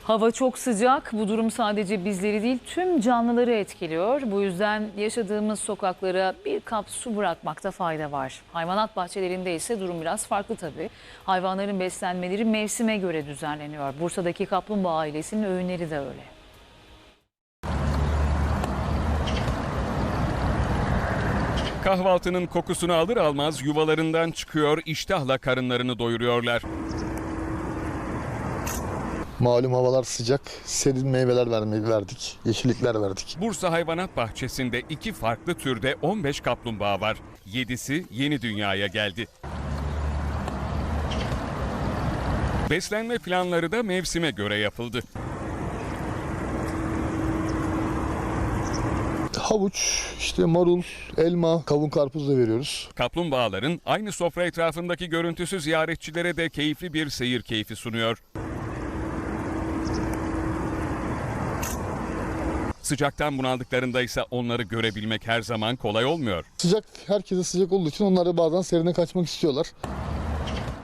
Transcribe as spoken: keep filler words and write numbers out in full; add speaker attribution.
Speaker 1: Hava çok sıcak. Bu durum sadece bizleri değil tüm canlıları etkiliyor. Bu yüzden yaşadığımız sokaklara bir kap su bırakmakta fayda var. Hayvanat bahçelerinde ise durum biraz farklı tabii. Hayvanların beslenmeleri mevsime göre düzenleniyor. Bursa'daki kaplumbağa ailesinin öğünleri de öyle.
Speaker 2: Kahvaltının kokusunu alır almaz yuvalarından çıkıyor, iştahla karınlarını doyuruyorlar.
Speaker 3: Malum havalar sıcak, serin meyveler vermeyi verdik, yeşillikler verdik.
Speaker 2: Bursa Hayvanat Bahçesi'nde iki farklı türde on beş kaplumbağa var. yedisi yeni dünyaya geldi. Beslenme planları da mevsime göre yapıldı.
Speaker 3: Havuç, işte marul, elma, kavun, karpuz da veriyoruz.
Speaker 2: Kaplumbağaların aynı sofra etrafındaki görüntüsü ziyaretçilere de keyifli bir seyir keyfi sunuyor. Sıcaktan bunaldıklarında ise onları görebilmek her zaman kolay olmuyor.
Speaker 3: Sıcak, herkese sıcak olduğu için onlar da bazen serine kaçmak istiyorlar.